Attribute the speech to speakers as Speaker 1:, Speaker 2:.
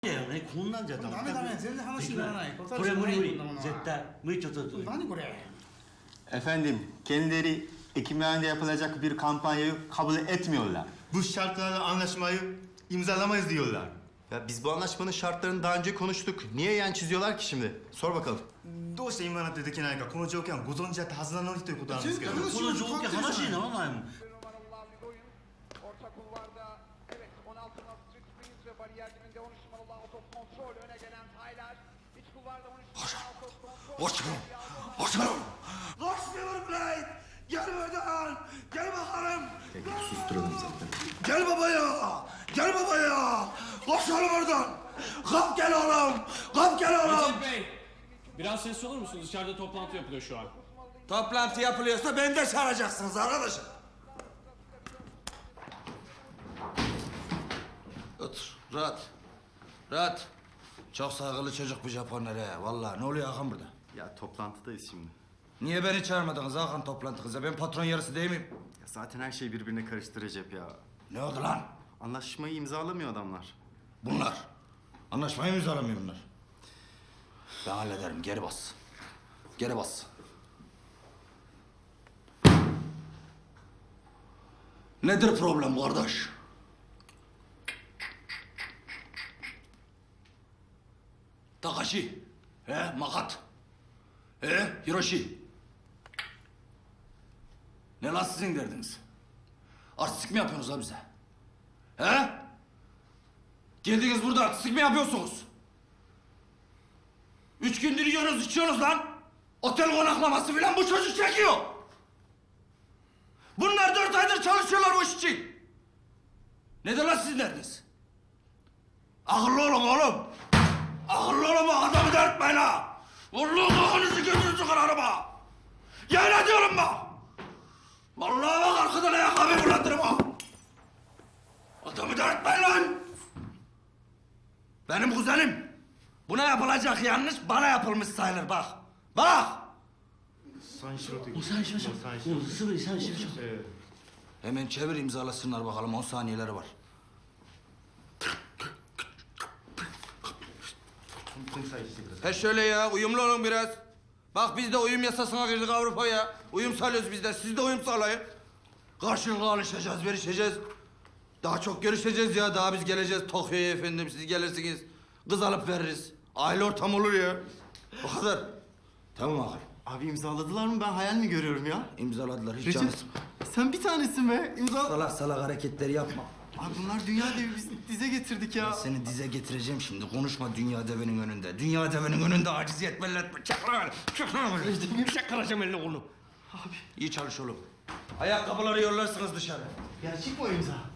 Speaker 1: ね、こんなんじゃ
Speaker 2: ダメダメ、全然話にならない。
Speaker 1: これ無理無理、絶対。無理ちょっと。
Speaker 2: 何これ?
Speaker 3: Efendim, kendileri Ekimhanede yapılacak bir kampanyayı kabul etmiyorlar.
Speaker 4: Bu şartlarla anlaşmayı imzalamayız diyorlar.
Speaker 5: Ya biz bu anlaşmanın şartlarını daha önce konuştuk. Niye yan çiziyorlar ki şimdi? Sor bakalım.
Speaker 4: どうして今なんてできないか、この条件はご存知だったはずなのにということなんですけど。
Speaker 1: この条件話にならないもん。
Speaker 6: Orta kulvarda evet 16 numaralı Springs ve bariyer dibinde 13 numaralı Out of Control öne gelen Tyler. İç kulvarda 13 numaralı Out of Control.
Speaker 2: Başkanım! Başkanım Blade! Gel buradan! Gel bakalım!
Speaker 5: Susturalım zaten.
Speaker 2: Gel babaya! Gel babaya! Başkanım oradan! Kap gel oğlum! Kap gel oğlum!
Speaker 7: Recep Bey, biraz sesli olur musunuz? Dışarıda toplantı yapılıyor şu an.
Speaker 2: Toplantı yapılıyorsa beni de çağıracaksınız arkadaşım.
Speaker 8: Otur, rahat. Rahat. Çok saygılı çocuk bu Japonlar he. Vallahi ne oluyor Hakan burada?
Speaker 5: Ya toplantıdayız şimdi.
Speaker 8: Niye beni çağırmadınız Hakan toplantınıza? Ben patron yarısı değil miyim?
Speaker 5: Ya zaten her şey birbirine karıştı Recep ya.
Speaker 8: Ne oldu lan?
Speaker 5: Anlaşmayı imzalamıyor adamlar.
Speaker 8: Bunlar. Anlaşmayı mı imzalamıyor bunlar? Ben hallederim. Geri bas. Geri bas. Nedir problem kardeş? Takashi. Makat. Hiroshi. Ne lan sizin derdiniz? Artistik mi yapıyorsunuz lan bize? Geldiniz burada artistik mi yapıyorsunuz? 3 gündür yiyorsunuz, içiyorsunuz lan. Otel konaklaması filan bu çocuk çekiyor. Bunlar 4 aydır çalışıyorlar bu iş için. Nedir lan sizin derdiniz? Akıllı olun oğlum. Akıllı olun bak adamı dertmeyin ha. Vallahi kafanızı gözünüzü kırarım ha. Yemin ediyorum bak. Vallahi bak arkadan ayakkabıyı fırlatırım ha. Adamı dertmeyin lan. Benim kuzenim. Buna yapılacak yanlış bana yapılmış sayılır bak. Bak.
Speaker 4: 三四郎という。
Speaker 1: もう最初じゃん。もうすぐに最初じゃん。
Speaker 8: Hemen çevir imzalasınlar bakalım 10 saniyeleri var. He şöyle ya uyumlu olun biraz. Bak biz de uyum yasasına girdik Avrupa'ya. Uyum sağlıyoruz biz de siz de uyum sağlayın. Karşılıklı alışacağız, verişeceğiz. Daha çok görüşeceğiz ya. Daha biz geleceğiz Tokyo'ya efendim. Siz gelirsiniz. Kız alıp veririz. Aile ortamı olur ya. O kadar. Tamam Hakan.
Speaker 5: Abi imzaladılar mı? Ben hayal mi görüyorum ya?
Speaker 8: İmzaladılar. Hiç
Speaker 5: Recep,
Speaker 8: canı
Speaker 5: sen bir tanesin be.
Speaker 8: salak salak hareketleri yapma.
Speaker 5: Abi bunlar dünya devi, biz dize getirdik ya.
Speaker 8: Ben seni dize getireceğim şimdi. Konuşma dünya devinin önünde. Dünya devinin önünde aciziyet belli etme. Çak lan. Çak lan. Çakıracağım elini kolunu. Abi. İyi çalış oğlum. Ayakkabıları yollarsınız dışarı.
Speaker 4: Gerçek mi o imza?